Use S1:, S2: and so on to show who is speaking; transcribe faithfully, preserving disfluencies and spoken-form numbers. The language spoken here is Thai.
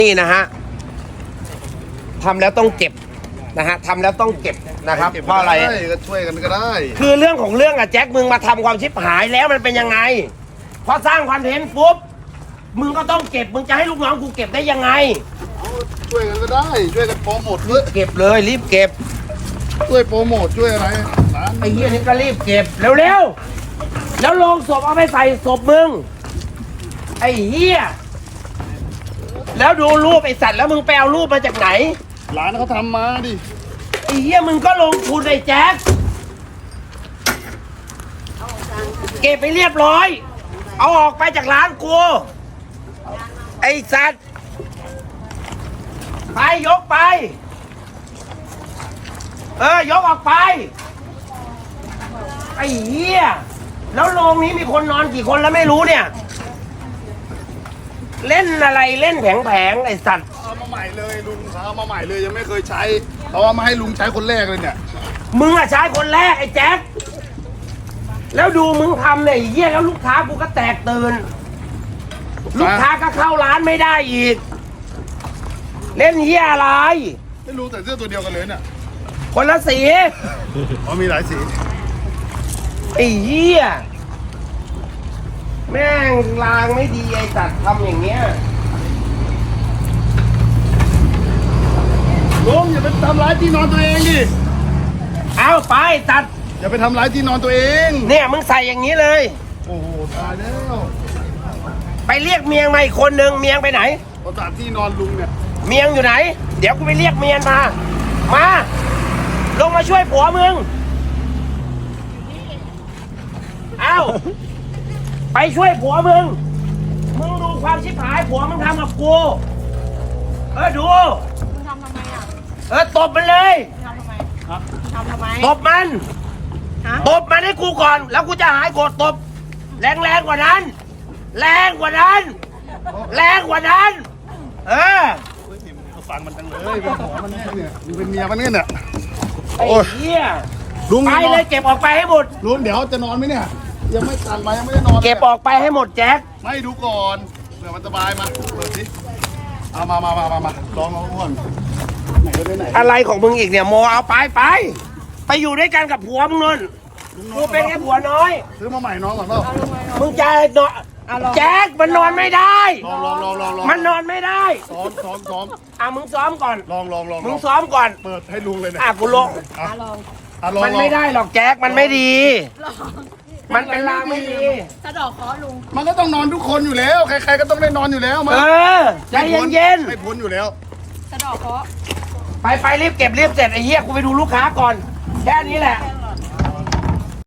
S1: นี่นะฮะทำแล้วต้องเก็บนะฮะทำแล้วต้องเก็บนะครับเพราะอะไร
S2: ก็ช่วยกันก็ได้
S1: คือเรื่องของเรื่องอะแจ็คมึงมาทำความชิบหายแล้วมันเป็นยังไงพอสร้างคอนเทนต์ปุ๊บมึงก็ต้องเก็บมึงจะให้ลูกน้องกูเก็บได้ยังไง
S2: ช่วยกันก็ได้ช่วยกันโปรโมทเลย
S1: เก็บเลยรีบเก็บ
S2: ช่วยโปรโมทช่วยอะไร
S1: ไอ้เหี้ยนี่ก็รีบเก็บเร็วๆแล้วลงศพเอาไปใส่ศพมึงไอ้เหี้ยแล้วดูรูปไอ้สัตว์แล้วมึงไปเอารูปมาจากไหน
S2: ร้านเขาทำมาดิ
S1: ไอ้เหี้ยมึงก็ลงทุนไอ้แจ็คเก็บไปเรียบร้อยเอาออกไปจากร้านกูไอ้สัตว์ไปยกไปเออยกออกไปไอ้เหี้ยแล้วโรงนี้มีคนนอนกี่คนแล้วไม่รู้เนี่ยเล่นอะไรเล่นแผงๆไอ้สัตว์
S2: เอามาใหม่เลยลุงเอามาใหม่เลยยังไม่เคยใช้เอาเอามาให้ลุงใช้คนแรกเลยเนี่ย
S1: มึงอะใช้คนแรกไอ้แจ็คแล้วดูมึงทำเนี่ยไอ้เหี้ยแล้วลูกค้ากูก็แตกตื่นลูกค้าก็เข้าร้านไม่ได้อีกเล่นเหี้ยอะไร
S2: ไม่รู้แต่เสื้อตัวเดียวกันเลยเนี่ย
S1: คนละสี
S2: อ๋อมีหลายสี
S1: ไอ้เหี้ยแม่งลางไม่ดีไอ้สัตว์ทำอย่างเงี้ย
S2: ลุงอย่าไปทำร้ายที่นอนตัวเองดิ
S1: เอาไปตัด
S2: อย่าไปทำร้ายที่นอนตัวเอง
S1: เนี่ยมึงใส่อย่างนี้เลย
S2: โอ้โหตายแล้ว
S1: ไปเรียกเมียงมาอีกคนนึงเมียงไปไหน
S2: เขาตัดที่นอนลุงเนี่ย
S1: เมียงอยู่ไหนเดี๋ยวกูไปเรียกเมียงมามาลงมาช่วยผัวมึงเอาไปช่วยผัวมึงมึงดูความชิบหายผัวมึงทำกับกูเออดู
S3: มึงทำทำไมอ่ะ
S1: เออตบมันเลย
S3: ทำทำไมทำทำไม
S1: ตบมันตบมันให้กูก่อนแล้วกูจะหายโกรธตบแรงแรงกว่านั้นแรงกว่านั้นแรงกว่านั้นเออ
S2: ฟังมันจังเลยเป็นผัวมันเนี่ยมึงเป็นเมียมันเนี่ยเนี่ย
S1: ไอ้เหี้ย
S2: ลุง
S1: ไปเลยเก็บออกไปให้หมด
S2: ลุงเดี๋ยวจะนอนไหมเนี่ยยังไม่ตันมายังไม่ได้นอน
S1: เก็บออกไปให้หมดแจ็ค
S2: ไม่ดูก่อนเผื่อมันสบายมาเปิดสิเอามามามามามาลองเอาก่อนไหนก็ได้ไหน
S1: อะไรของมึงอีกเนี่ยโมเอาไปไปไปอยู่ด้วยกันกับผัวมึงนนกูเป็นแค่ผัวน้อย
S2: ซื้อมาใหม่น้องก่อนเปล่า
S1: มึงจะนอนแจ็คมันนอนไม่ได้
S2: ลองลองลองลอง
S1: มันนอนไม่ได้
S2: ซ้อมซ้อมซ้อม
S1: อ่ะมึงซ้อมก่อน
S2: ลองลองลอง
S1: มึงซ้อมก่อน
S2: เปิดให้ลุงเลยนะ
S1: อ่ะกูลง
S3: อ่ะลอง
S1: มันไม่ได้หรอกแจ็คมันไม่ดีมันเป็นลางไม่ดี
S3: สะดอกเคาะลุง
S2: มันก็ต้องนอนทุกคนอยู่แล้วใครๆก็ต้องได้นอนอยู่แล้วมา
S1: เออใจเย็น
S2: ๆไม่พ้นอยู่แล้ว
S3: สะดอกเคาะ
S1: ไปไปรีบเก็บรีบเสร็จไอ้เหี้ยกูไปดูลูกค้าก่อนแค่นี้แหละ